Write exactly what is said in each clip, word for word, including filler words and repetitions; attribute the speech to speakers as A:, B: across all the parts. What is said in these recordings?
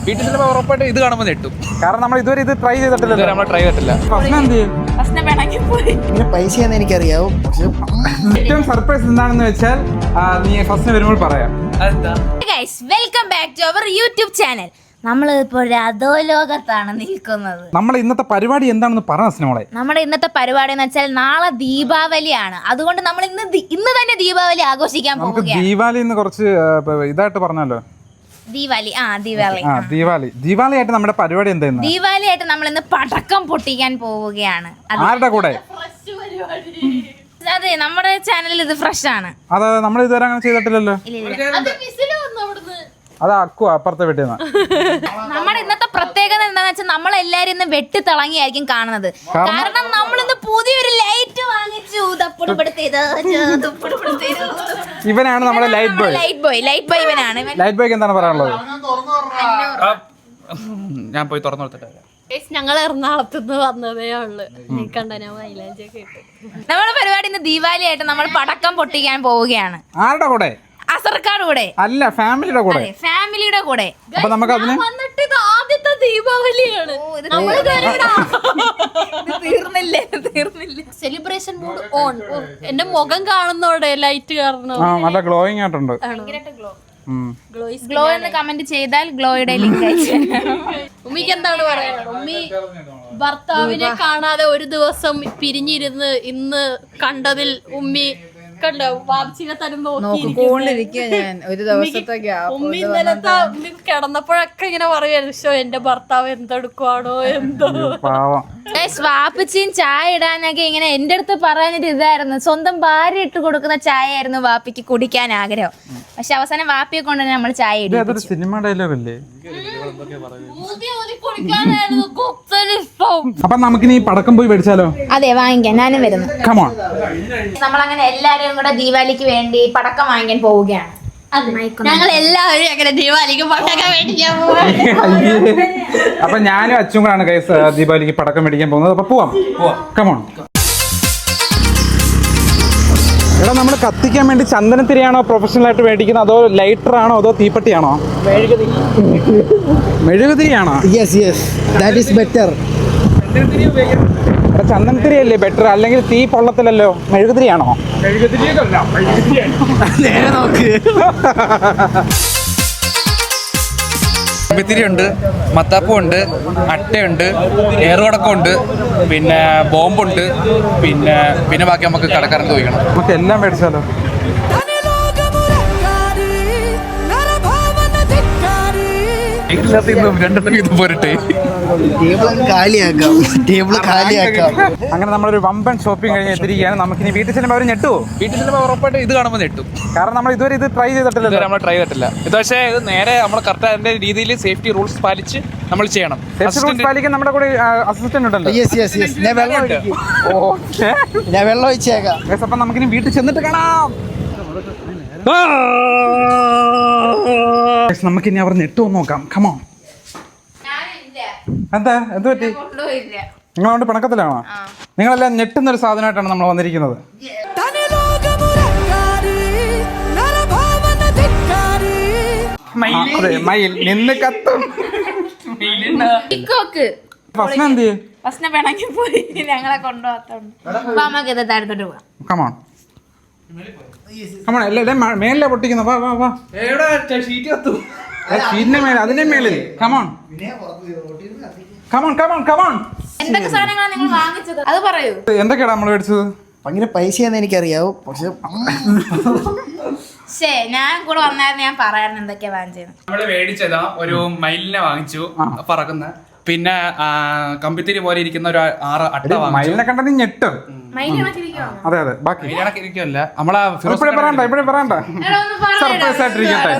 A: വീട്ടിൽ ചിലപ്പോൾ ഉറപ്പായിട്ട് ഇത് കാണുമ്പോൾ നെട്ടും.
B: കാരണം നമ്മൾ ഇതുവരെ ഇത് ട്രൈ ചെയ്തിട്ടില്ല.
A: നമ്മൾ ട്രൈ ചെയ്തിട്ടില്ല.
C: പൈസയെന്ന് എനിക്കറിയാവൂ.
B: ഏറ്റവും സർപ്രൈസ് എന്താണെന്ന് വെച്ചാൽ നീ ഫസ്റ്റ് വരുമ്പോൾ പറയാം.
D: Welcome back to our YouTube channel. നമ്മൾ ഇപ്പോൾ അധോലോകത്താണ് നിൽക്കുന്നത്.
B: നമ്മുടെ ഇന്നത്തെ പരിപാടി എന്താണെന്ന് പറ സ്നോളെ.
D: നമ്മുടെ ഇന്നത്തെ പരിപാടി എന്ന് വെച്ചാൽ നാളെ ദീപാവലിയാണ്. അതുകൊണ്ട് നമ്മൾ ഇന്ന് ഇന്ന് തന്നെ ദീപാവലി ആഘോഷിക്കാൻ പോവുകയാണ്.
B: ദീപാവലി എന്ന് കുറച്ച് ഇതായിട്ട് പറഞ്ഞല്ലോ.
D: ദീപാവലി ആ ദീപാവലി
B: ദീപാവലി ദീപാവലി ആയിട്ട് നമ്മുടെ പരിപാടി എന്തായിരുന്നു?
D: ദീപാവലി ആയിട്ട് നമ്മൾ ഇന്ന് പടക്കം പൊട്ടിക്കാൻ പോവുകയാണ്.
B: ആരുടെ കൂടെ?
D: അതെ, നമ്മുടെ ചാനലിൽ ഇത് ഫ്രഷ് ആണ്.
B: അതെ, നമ്മൾ ഇതുവരെ അങ്ങനെ ചെയ്തിട്ടില്ലല്ലോ. അത് അക്കു അപ്പുറത്തെ വീട്ടിൽ നിന്ന്.
D: നമ്മുടെ ഇന്നത്തെ പ്രത്യേകത എന്താന്ന് വെച്ചാൽ നമ്മൾ എല്ലാരും ഇന്ന് വെട്ടി തിളങ്ങിയായിരിക്കും കാണുന്നത്. കാരണം നമ്മൾ ഇന്ന് പുതിയൊരു ലൈറ്റ് വാങ്ങിച്ചു.
B: ഇവനാണ് നമ്മുടെ light boy.
D: Light boy light boy ഇവനാണ്.
B: ലൈറ്റ് ബോയ്ക്ക് എന്താണ് പറയാനുള്ളത്?
A: ഞാൻ പോയി തുറന്നു കൊടുത്തിട്ട്
E: ഞങ്ങൾ എറണാകുളത്ത് നിന്ന് വന്നതേ ഉള്ളു. കണ്ടന മൈലാഞ്ചി ഒക്കെ ഇട്ട്
D: നമ്മുടെ പരിപാടി ഇന്ന് ദീപാവലി ആയിട്ട് നമ്മൾ പടക്കം പൊട്ടിക്കാൻ പോവുകയാണ്.
B: ആരുടെ കൂടെ?
D: അസർക്കാട് കൂടെ.
B: അല്ല, ഫാമിലിയുടെ കൂടെ.
D: ഫാമിലിയുടെ കൂടെ.
B: അപ്പൊ നമുക്ക് അതിന്
E: വന്നിട്ട് ഇത് ആദ്യത്തെ ദീപാവലിയാണ്.
D: തീർന്നില്ലേ തീർന്നില്ലേ
E: സെലിബ്രേഷൻ മൂഡ് ഓൺ. എന്റെ മുഖം കാണുന്നോടെ ലൈറ്റ് കാരണം
B: നല്ല ഗ്ലോയിങ് ആയിട്ടുണ്ട്.
D: ഗ്ലോ എന്ന് കമന്റ് ചെയ്താൽ ഗ്ലോയുടെ ലിങ്ക് അയച്ചു.
E: ഉമ്മിക്ക് എന്താണ് പറയാനുള്ളത്? ഉമ്മി ഭർത്താവിനെ കാണാതെ ഒരു ദിവസം പിരിഞ്ഞിരുന്ന് ഇന്ന് കണ്ടതിൽ ഉമ്മി കണ്ടോ വാപ്ചിനെ തന്നെ
F: നോക്കിക്കൊണ്ടിരിക്കുക. ഞാൻ ഒരു ദിവസത്തെ
E: ഉമ്മി ഇന്നലത്തെ ഉമ്മി കിടന്നപ്പോഴൊക്കെ ഇങ്ങനെ പറയായിരുന്നു, ഷോ എന്റെ ഭർത്താവ് എന്തെടുക്കുവാണോ എന്തോ.
D: വാപ്പച്ചിയും ചായ ഇടാനൊക്കെ ഇങ്ങനെ എന്റെ അടുത്ത് പറയാനിട്ട് ഇതായിരുന്നു, സ്വന്തം ഭാര്യ ഇട്ട് കൊടുക്കുന്ന ചായ ആയിരുന്നു വാപ്പിക്ക് കുടിക്കാൻ ആഗ്രഹം. പക്ഷെ അവസാനം വാപ്പിയെ കൊണ്ട് തന്നെ നമ്മൾ ചായ ഇടും.
B: സിനിമ ഡയലോഗ് അല്ലേ? അപ്പൊ നമുക്കിനി പടക്കം പോയി മേടിച്ചാലോ?
D: അതെ, വാങ്ങിക്കാൻ ഞാനും വരുന്നു.
B: കമോൺ.
D: നമ്മളങ്ങനെ എല്ലാരും കൂടെ ദീപാവലിക്ക് വേണ്ടി പടക്കം വാങ്ങിക്കാൻ പോവുകയാണ്.
E: ഞങ്ങൾ എല്ലാവരും അങ്ങനെ ദീപാവലിക്ക് പടക്കം മേടിക്കാൻ പോവാ.
B: അപ്പൊ ഞാനും അച്ഛനും കൂടാണ് ഗൈസ് ദീപാവലിക്ക് പടക്കം മേടിക്കാൻ പോകുന്നത്. അപ്പൊ പോവാം. കമോൺ. എടാ, നമ്മൾ കത്തിക്കാൻ വേണ്ടി ചന്ദനത്തിരിയാണോ പ്രൊഫഷണൽ ആയിട്ട് മേടിക്കുന്നത്, അതോ ലൈറ്റർ ആണോ, അതോ തീപ്പെട്ടിയാണോ? മെഴുകുതിരിയാണോ?
C: Yes yes that is better.
B: എടാ, ചന്ദനത്തിരിയല്ലേ ബെറ്റർ? അല്ലെങ്കിൽ തീ പൊള്ളത്തിലല്ലോ. മെഴുകുതിരിയാണോ?
C: നേരെ നോക്ക്.
A: കമ്പിത്തിരിയുണ്ട്, മത്താപ്പുണ്ട്, അട്ടയുണ്ട്, ഏറുകടക്കമുണ്ട്, പിന്നെ ബോംബുണ്ട്, പിന്നെ പിന്നെ ബാക്കി നമുക്ക് കടക്കാരൻ ചോദിക്കണം.
B: നമുക്ക് എല്ലാം മേടിച്ചാലോ?
A: രണ്ടെണ്ണം ഇത് പോരട്ടെ.
C: ടേബിൾ കാലിയാക്കാം. ടേബിൾ കാലിയാക്കാം.
B: അങ്ങനെ നമ്മളൊരു വമ്പൻ ഷോപ്പിംഗ് കഴിഞ്ഞ് എത്തിരിക്കുകയാണ്. നമുക്കിനി വീട്ടിൽ ചെല്ലുമ്പോൾ അവർ ഞെട്ടുവോ?
A: വീട്ടിൽ ചിലപ്പോൾ ഉറപ്പായിട്ട് ഇത് കാണുമ്പോൾ നെട്ടും.
B: കാരണം നമ്മൾ ഇതുവരെ ഇത് ട്രൈ ചെയ്തിട്ടില്ല.
A: നമ്മൾ ട്രൈ ചെയ്തിട്ടില്ല. ഇത് പക്ഷേ ഇത് നേരെ നമ്മൾ കറക്റ്റ് അതിന്റെ രീതിയിൽ സേഫ്റ്റി റൂൾസ് പാലിച്ച് നമ്മൾ ചെയ്യണം.
B: പാലിക്കാൻ നമ്മുടെ കൂടെ അസിസ്റ്റന്റ് ഉണ്ടല്ലോ.
C: യെസ് യെസ് യെസ് ഞാൻ വെള്ളം ഒഴിക്കും. ഞാൻ വെള്ളം ഒഴിച്ചേക്കാം.
B: അപ്പൊ നമുക്കിനി വീട്ടിൽ ചെന്നിട്ട് കാണാം. നമുക്കിനി അവർ നെട്ടുവോ നോക്കാം. കമോൺ. എന്താ എന്ത് പറ്റി? നിങ്ങളോണ്ട് പിണക്കത്തിലാണോ? നിങ്ങളെല്ലാം ഞെട്ടുന്ന ഒരു സാധനമായിട്ടാണ് നമ്മൾ വന്നിരിക്കുന്നത്. മയിൽ നിന്ന് കത്തും. ഫസ്ന എന്ത് ചെയ്യും?
D: ഫസ്ന പിണങ്ങി പോയി, ഞങ്ങളെ കൊണ്ടുപോകാത്തോണ്ട്.
B: Come on come on. എല്ലാം മേലിലെ പൊട്ടിക്കുന്നു. വാ വാ വാ. ഷീറ്റിന്റെ മേലെ, അതിന്റെ മേളിൽ. Come on come on come on come on.
D: എന്തൊക്കെ സാധനങ്ങളാണ് നിങ്ങൾ വാങ്ങിച്ചത് അത് പറയൂ.
B: എന്തൊക്കെയാണ് നമ്മൾ മേടിച്ചത്?
C: ഭയങ്കര പൈസയെന്ന് എനിക്കറിയാവൂ. പക്ഷെ
D: ശേ, ഞാൻ കൂടെ വന്നായിരുന്നു, ഞാൻ പറയായിരുന്നു എന്തൊക്കെയാ വാങ്ങിച്ചത്.
A: നമ്മള് മേടിച്ചതാ ഒരു മയിലിനെ വാങ്ങിച്ചു, പറക്കുന്ന. പിന്നെ കമ്പിത്തിരി പോലെ ഇരിക്കുന്ന ഒരു ആറ് അട്ട വാങ്ങിച്ചു.
B: മയിലിനെ കണ്ട നീ ഞെട്ടും. അതെ അതെ. ബാക്കി
A: ഇരിക്കുമല്ല നമ്മളെ
B: ഇവിടെ പറയണ്ട, ഇവിടെ പറയണ്ട. സർപ്രൈസ് ആയിട്ടിരിക്കട്ടെ.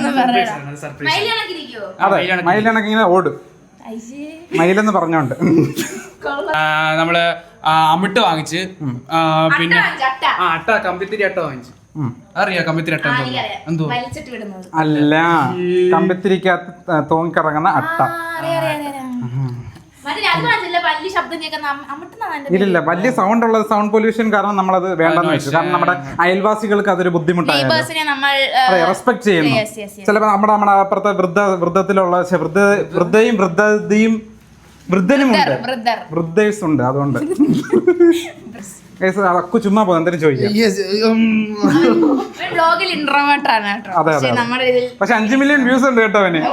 B: അതെ, മയിലിനൊക്കെ ഇങ്ങനെ ഓടും. മയിലെന്ന് പറഞ്ഞോണ്ട്
A: നമ്മള് അമിട്ട് വാങ്ങിച്ച്, പിന്നെ ആ അട്ട കമ്പിത്തിരി അട്ട വാങ്ങിച്ചു. അറിയാ കമ്പിത്തിരി അട്ട എന്തോ?
B: അല്ല, കമ്പിത്തിരിക്കകത്ത് തൂങ്ങിക്കിറങ്ങുന്ന അട്ട.
D: മറ്റേ അത് പറഞ്ഞില്ല, വലിയ ശബ്ദം കേൾക്കുന്ന അമ്മ- അമ്മട്ടുന്നാണ് എന്റെ
B: ഇല്ലില്ല വലിയ സൗണ്ട് ഉള്ളത് സൗണ്ട് പൊല്യൂഷൻ കാരണം നമ്മളത് വേണ്ടെന്ന് വെച്ചു. കാരണം നമ്മുടെ അയൽവാസികൾക്ക് അതൊരു ബുദ്ധിമുട്ടായിരുന്നു.
D: നെയ്ബേഴ്സിനെ നമ്മൾ ആ,
B: അതെ റെസ്പെക്ട് ചെയ്യുന്നു.
D: yes, yes, yes.
B: ചിലപ്പോ നമ്മുടെ നമ്മുടെ അപ്പുറത്തെ വൃദ്ധ വൃദ്ധത്തിലുള്ള ശ്ശെ, വൃദ്ധ വൃദ്ധയും വൃദ്ധതയും വൃദ്ധനും ഉണ്ട്,
D: brother.
B: വൃദ്ധേഴ്സ് ഉണ്ട്. അതുകൊണ്ട് Guys, അക്കു ചുമ്മാ പോകും എന്തെങ്കിലും ചോദിക്കാം.
D: ബ്ലോഗിൽ ഇൻട്രോവേർട്ട് ആണ് കേട്ടോ.
B: അതെ, അതെ,
D: പക്ഷേ
B: അതെ.
D: നമ്മുടെ ഇതിൽ
B: പക്ഷെ അഞ്ചു മില്യൺ വ്യൂസ് ഉണ്ട് കേട്ടോ അവന്.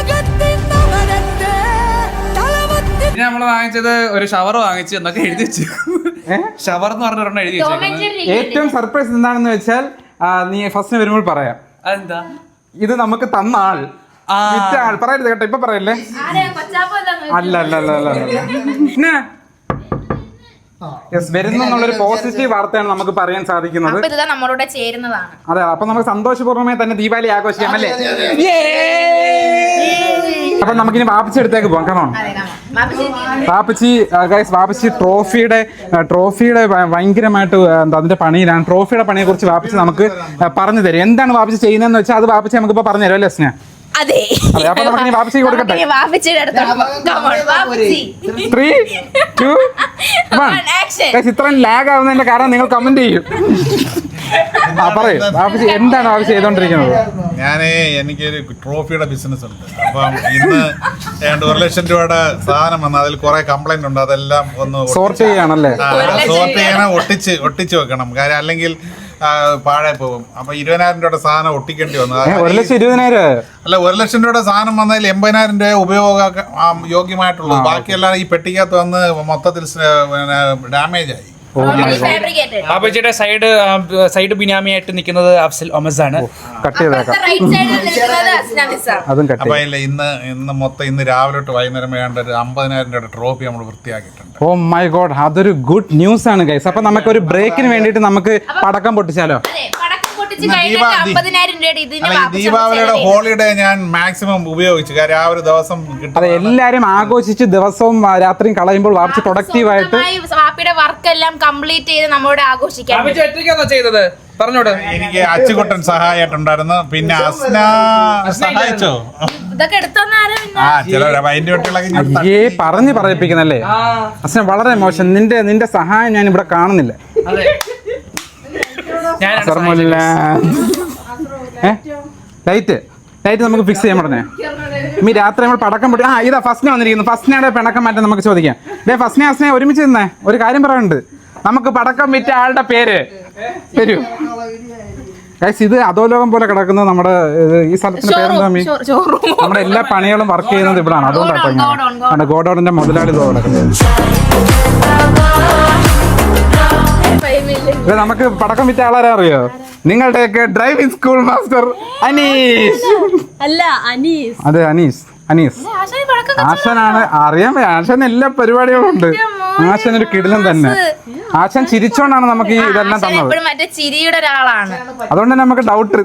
A: പിന്നെ നമ്മൾ വാങ്ങിച്ചത് ഒരു ഷവർ വാങ്ങിച്ചു എന്നൊക്കെ എഴുതി വെച്ചു. ഷവർ എന്ന് പറഞ്ഞ ഒരെണ്ണം എഴുതി
D: Tom and
A: വെച്ചേക്കുന്നത്.
D: Jerry
B: ഏറ്റവും സർപ്രൈസ് എന്താണെന്ന് വെച്ചാൽ ആ, നീ ഫസ്റ്റ് വരുമ്പോൾ പറയാം.
A: അതെന്താ?
B: ഇത് നമുക്ക് തന്ന ആൾ
A: ആ.
B: വിറ്റ ആൾ പറയരുത് കേട്ടോ, ഇപ്പൊ പറയല്ലേ.
D: ആരെയാ കൊച്ചാപ്പല്ലാന്ന്
B: അല്ല അല്ല അല്ല അല്ല പിന്നെ യെസ് വരുന്നു എന്നുള്ളൊരു പോസിറ്റീവ് വാർത്തയാണ് നമുക്ക് പറയാൻ സാധിക്കുന്നത്.
D: അപ്പൊ ഇതാ നമ്മളോട് ചേരുന്നതാണ്.
B: അതെ, അപ്പൊ നമുക്ക് സന്തോഷപൂർവ്വമായി തന്നെ ദീപാവലി ആഘോഷിക്കാം അല്ലേ. അപ്പൊ നമുക്കിനി വാപ്പച്ചി അടുത്തേക്ക് പോകാം. കമോൺ
D: അതെ, കാണാം. ബാപ്പച്ചി
B: വാപ്പച്ചി ഗൈസ്, വാപ്പച്ചി ട്രോഫിയുടെ ട്രോഫിയുടെ ഭയങ്കരമായിട്ട് എന്താ അതിന്റെ പണിയിലാണ്. ട്രോഫിയുടെ പണിയെ കുറിച്ച് വാപ്പച്ചി നമുക്ക് പറഞ്ഞു തരും. എന്താണ് വാപ്പച്ചി ചെയ്യുന്നതെന്ന് വെച്ചാൽ അത് വാപ്പച്ചി നമുക്ക് ഇപ്പൊ പറഞ്ഞു തരും അല്ലേ സ്നേഹ.
D: അതെ,
B: അതെ, അപ്പൊ നമുക്ക് വാപ്പച്ചി കൊടുക്കട്ടെ.
D: നമുക്കിനി വാപ്പച്ചിയുടെ അടുത്തോട്ട് പോകാം. Come on, വാപ്പച്ചി.
B: Three two one.
D: One, action.
B: Guys, ഇത്രയും ലാഗ് ആവുന്നതിന്റെ കാരണം നിങ്ങൾ കമന്റ് ചെയ്യും. ആ പറയൂ വാപ്പച്ചി, എന്താണ് വാപ്പച്ചി ചെയ്തോണ്ടിരിക്കുന്നത്?
G: ഞാനേ എനിക്കൊരു ട്രോഫിയുടെ ബിസിനസ് ഉണ്ട്. അപ്പം ഇന്ന് ഏതാണ്ട് ഒരു ലക്ഷം രൂപയുടെ സാധനം വന്നു. അതിൽ കുറെ കംപ്ലൈന്റ് ഉണ്ട്. അതെല്ലാം ഒന്ന്
B: സോർട്ട് ചെയ്യാണല്ലേ?
G: സോർട്ട് ചെയ്യണം, ഒട്ടിച്ച് ഒട്ടിച്ച് വെക്കണം. കാര്യം അല്ലെങ്കിൽ ആ, പാഴായി പോകും. അപ്പൊ ഇരുപതിനായിരം രൂപയുടെ സാധനം ഒട്ടിക്കേണ്ടി വന്നു.
B: ഏ, ഒരു ലക്ഷം ഇരുപതിനായിരം
G: അല്ല, ഒരു ലക്ഷം രൂപയുടെ സാധനം വന്നതിൽ എൺപതിനായിരം രൂപ ഉപയോഗ ആ, യോഗ്യമായിട്ടുള്ളൂ. ബാക്കിയെല്ലാം ഈ പെട്ടിക്കകത്ത് വന്ന് മൊത്തത്തിൽ ഡാമേജ് ആയി.
D: Fabricated.
A: ബാബുജിയുടെ സൈഡ് സൈഡ് ബിനാമിയായിട്ട് നിൽക്കുന്നത് അഫ്സൽ ഒമസ് ആണ്.
B: കട്ട് ചെയ്തേക്കാം.
D: അപ്പുറത്തെ right side ൽ നിൽക്കുന്നത് അസ്ന നിസാം.
B: അതും കട്ട്
G: അപ്പൊ ഇല്ല, ഇന്ന് ഇന്ന് മൊത്തം ഇന്ന് രാവിലെ തൊട്ട് വൈകുന്നേരം വേണ്ട ഒരു അമ്പതിനായിരം രൂപയുടെ ട്രോഫി നമ്മൾ വൃത്തിയാക്കിയിട്ടുണ്ട്.
B: ഓ മൈ ഗോഡ്, അതൊരു ഗുഡ് ന്യൂസ് ആണ് ഗൈസ്. അപ്പൊ നമുക്ക് ഒരു ബ്രേക്കിന് വേണ്ടിട്ട് നമുക്ക് പടക്കം പൊട്ടിച്ചാലോ?
D: അതെ, പടക്കം പൊട്ടിച്ച്
G: ഇന്ന്
D: കഴിഞ്ഞിട്ട്
G: ദീപാ-
D: അമ്പതിനായിരം രൂപയുടെ ഇതിന്
G: അല്ല, ഈ
D: വാപ്പച്ചി
G: ദീപാവലിയുടെ
D: നമുക്ക്
G: ഹോളിഡേ ഞാൻ മാക്സിമം ഉപയോഗിച്ചു. കാര്യം ആ ഒരു ദിവസം കിട്ടും.
B: അതെ, എല്ലാരും ആഘോഷിച്ച് ദിവസവും ആ, രാത്രിയും കളയുമ്പോൾ വാപ്പച്ചി പ്രൊഡക്റ്റീവ് ആയിട്ട്
D: സ്വന്തമായി വാപ്പിയുടെ വർക്ക് എല്ലാം കംപ്ലീറ്റ് ചെയ്ത് നമ്മളോട് ആഘോഷിക്കാൻ
A: ബാബുജി ഒറ്റയ്ക്കാണോ ചെയ്തത്? പറഞ്ഞോട്.
G: എനിക്ക് അച്ചുകുട്ടൻ സഹായമായിട്ടുണ്ടായിരുന്നു. പിന്നെ അസ്ന സഹായിച്ചോ?
D: ഇതൊക്കെ എടുത്തോന്നാരും
G: ആ ചില അതിന്റെ കുട്ടികളൊക്കെ ഞാൻ തട്ടി.
B: അയ്യേ പറഞ്ഞ് പറയിപ്പിക്കുന്നല്ലേ അച്ഛൻ, വളരെ മോശം. നിന്റെ നിന്റെ സഹായം ഞാൻ ഇവിടെ കാണുന്നില്ല.
A: അതെ, ഞാനാണ്
B: സർമോല്ല ലൈറ്റ് ലൈറ്റ് നമുക്ക് ഫിക്സ് ചെയ്യാൻ പറഞ്ഞേ. ഈ രാത്രി നമ്മൾ പടക്കം പൊട്ടി. ആ ഇതാ ഫസ്റ്റിനെ വന്നിരിക്കുന്നു. ഫസ്റ്റിനയുടെ പിണക്കം മാറ്റാൻ നമുക്ക് ചോദിക്കാം. ഡേ ഫസ്റ്റിനെ അസ്നെ ഒരുമിച്ച് നിന്നേ, ഒരു കാര്യം പറയാനുണ്ട്. നമുക്ക് പടക്കം വിറ്റ ആളുടെ പേര് തരൂ ഗൈസ്. ഇത് അധോലോകം പോലെ കിടക്കുന്നത് നമ്മുടെ ഇത് ഈ സ്ഥലത്തിന്റെ പേരെന്താ? മീ നമ്മുടെ എല്ലാ പണികളും വർക്ക് ചെയ്യുന്നത് ഇവിടാണ്. അതുകൊണ്ടാണ് ഗോഡൌണിന്റെ മുതലാളി ഇതോ കിടക്കുന്നത്. ഇത് നമുക്ക് പടക്കം വിറ്റ ആളാരെ അറിയോ? നിങ്ങളുടെയൊക്കെ ഡ്രൈവിംഗ് സ്കൂൾ മാസ്റ്റർ അനീഷ്.
E: അല്ല, അനീസ്.
B: അതെ, അനീസ് അനീസ് ആശാനാണ്. അറിയാൻ പറ്റും, ആശാൻ എല്ലാ പരിപാടികളും ഉണ്ട്. ആശാൻ ഒരു കിടിലൻ തന്നെ. ആശാൻ ചിരിച്ചോണ്ടാണ് നമുക്ക് ഈ ഇതെല്ലാം തന്നത്.
D: എപ്പോഴും മറ്റേ ചിരിയുടെ ഒരാളാണ്.
B: അതുകൊണ്ട് തന്നെ നമുക്ക് ഡൗട്ട്.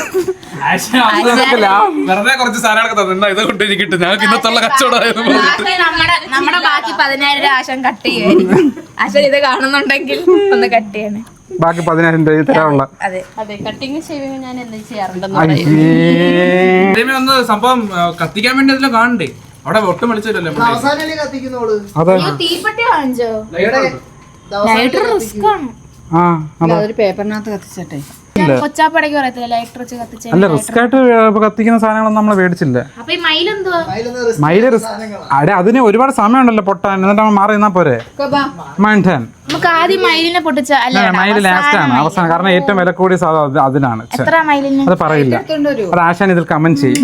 A: വെറുതെ കുറച്ച് സാധനങ്ങളൊക്കെ തന്നെ ഇത് കൊണ്ട് കിട്ടും. ഞങ്ങൾക്ക് ഇന്നത്തുള്ള കച്ചവടമായിരുന്നു.
D: ആശാൻ നമ്മുടെ നമ്മുടെ ബാക്കി പതിനായിരം രൂപ ആശാൻ കട്ട് ചെയ്യുമായിരിക്കും. ആശാൻ ഇത് കാണുന്നുണ്ടെങ്കിൽ ഒന്ന് കട്ട് ചെയ്യണേ.
B: ബാക്കി പതിനായിരം രൂപ തരാനുള്ള.
D: അതെ,
E: അതെ, കട്ടിങ് ഷേവിങ് ഞാൻ എന്താ ചെയ്യാറുണ്ടെന്ന്
B: അയ്യേ.
A: ഒന്ന് സംഭവം ആ, കത്തിക്കാൻ വേണ്ടി അതിലും കാണണ്ടേ? അവിടെ ഒട്ടും വിളിച്ചില്ലല്ലോ.
B: അതെ
D: അയ്യോ, തീപ്പെട്ടി വാങ്ങിച്ചോ? ലൈറ്റർ റിസ്ക് ആണ്.
B: ആ അതെ.
F: അതൊരു പേപ്പറിനകത്ത് കത്തിച്ചട്ടെ.
D: കൊച്ചാപ്പടയ്ക്ക് പറയത്തില്ല ലൈറ്റർ വെച്ച് കത്തിച്ച.
B: അല്ല, റിസ്ക് ആയിട്ട് കത്തിക്കുന്ന സാധനങ്ങളൊന്നും നമ്മൾ മേടിച്ചില്ല.
D: അപ്പൊ ഈ മയിലെന്തുവാ?
B: മയില് റിസ്ക്. അടെ അതിന് ഒരുപാട് സമയമുണ്ടല്ലോ പൊട്ടാൻ. എന്നിട്ട് അവൻ മാറി നിന്നാ പോരെ. മൈൻഡാൻ
D: നമുക്ക് ആദ്യം മയിലിനെ പൊട്ടിച്ച അല്ല
B: മയില് ലാസ്റ്റ് ആണ്, അവസാനം. കാരണം ഏറ്റവും വില കൂടിയ സാധനം അത് അതിനാണ്. ഛെ,
D: എത്ര മയിലിന്?
B: അത് പറയില്ല. അത് ആശാൻ ഇതിൽ കമന്റ് ചെയ്യും.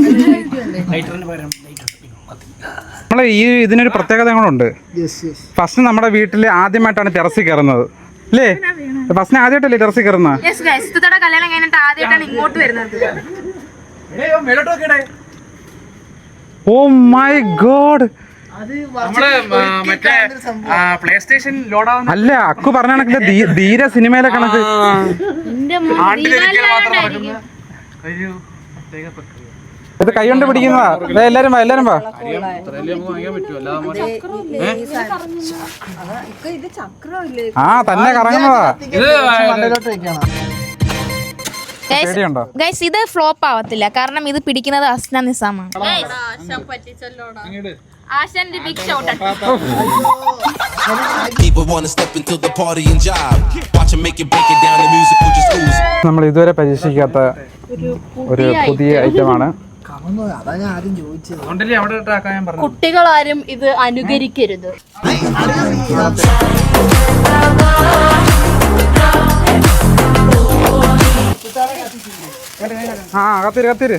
B: നമ്മളെ ഈ ഇതിനൊരു പ്രത്യേകത കൂടെ. ഫസ്റ്റ് നമ്മുടെ വീട്ടിൽ ആദ്യമായിട്ടാണ് ടെറസിൽ കയറുന്നത് അല്ലേ? ഫസ്റ്റിന് ആദ്യമായിട്ടല്ലേ ടെറസിൽ കയറുന്നത്?
D: യെസ് ഗയ്സ്, ഇത്തടെ കല്യാണം കഴിഞ്ഞിട്ട് ആദ്യമായിട്ടാണ് ഇങ്ങോട്ട് വരുന്നത്.
B: Oh my god.
A: നമ്മള് മറ്റേ പ്ലേ സ്റ്റേഷൻ ലോഡാവുന്ന
B: അല്ല, അക്കു പറഞ്ഞ കണക്കില് ധീര സിനിമയിലെ കണക്ക്.
D: എന്റെ
B: ഇത് കൈ കൊണ്ട് പിടിക്കുന്നതാ. ദേ എല്ലാരും വാ, എല്ലാരും വാ.
F: ഇത് ചക്രമില്ലേ?
B: ആ തന്നെ കറങ്ങുന്നതാ.
A: ഇത്
B: പേടിയുണ്ടോ?
D: ഗൈസ്, ഇത് ഫ്ലോപ്പ് ആവത്തില്ല. കാരണം ഇത് പിടിക്കുന്നത് അസ്ന നിസാമാണ്.
E: ആശാൻ പറ്റിച്ചല്ലോടാ.
D: ആശാന്റെ big shot.
H: People wanna step into the party and jive. Watch 'em make it, break it down. The music will just ooze.
B: നമ്മൾ ഇതുവരെ പരീക്ഷിക്കാത്ത ഒരു പുതിയ ഐറ്റമാണ്.
C: അതാ ഞാൻ ആദ്യം ചോദിച്ചത്.
A: അതുകൊണ്ടല്ലേ അവിടെ ഇട്ടാക്കാൻ ഞാൻ പറഞ്ഞു.
E: കുട്ടികളാരും ഇത് അനുകരിക്കരുത്.
B: ആ കത്തിരി കത്തിരി.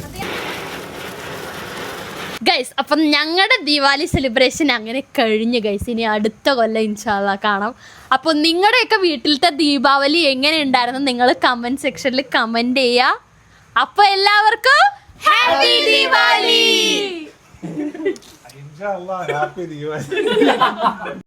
E: ഗൈസ്, അപ്പം ഞങ്ങളുടെ ദിവാലി സെലിബ്രേഷൻ അങ്ങനെ കഴിഞ്ഞു ഗൈസ്. ഇനി അടുത്ത കൊല്ലം ഇൻഷാല്ലാ കാണാം. അപ്പോൾ നിങ്ങളുടെയൊക്കെ വീട്ടിലത്തെ ദീപാവലി എങ്ങനെ ഉണ്ടായിരുന്നു നിങ്ങൾ കമന്റ് സെക്ഷനിൽ കമന്റ് ചെയ്യുക. അപ്പോൾ എല്ലാവർക്കും ഹാപ്പി ദിവാലി.
G: ഹാപ്പി ദിവാലി.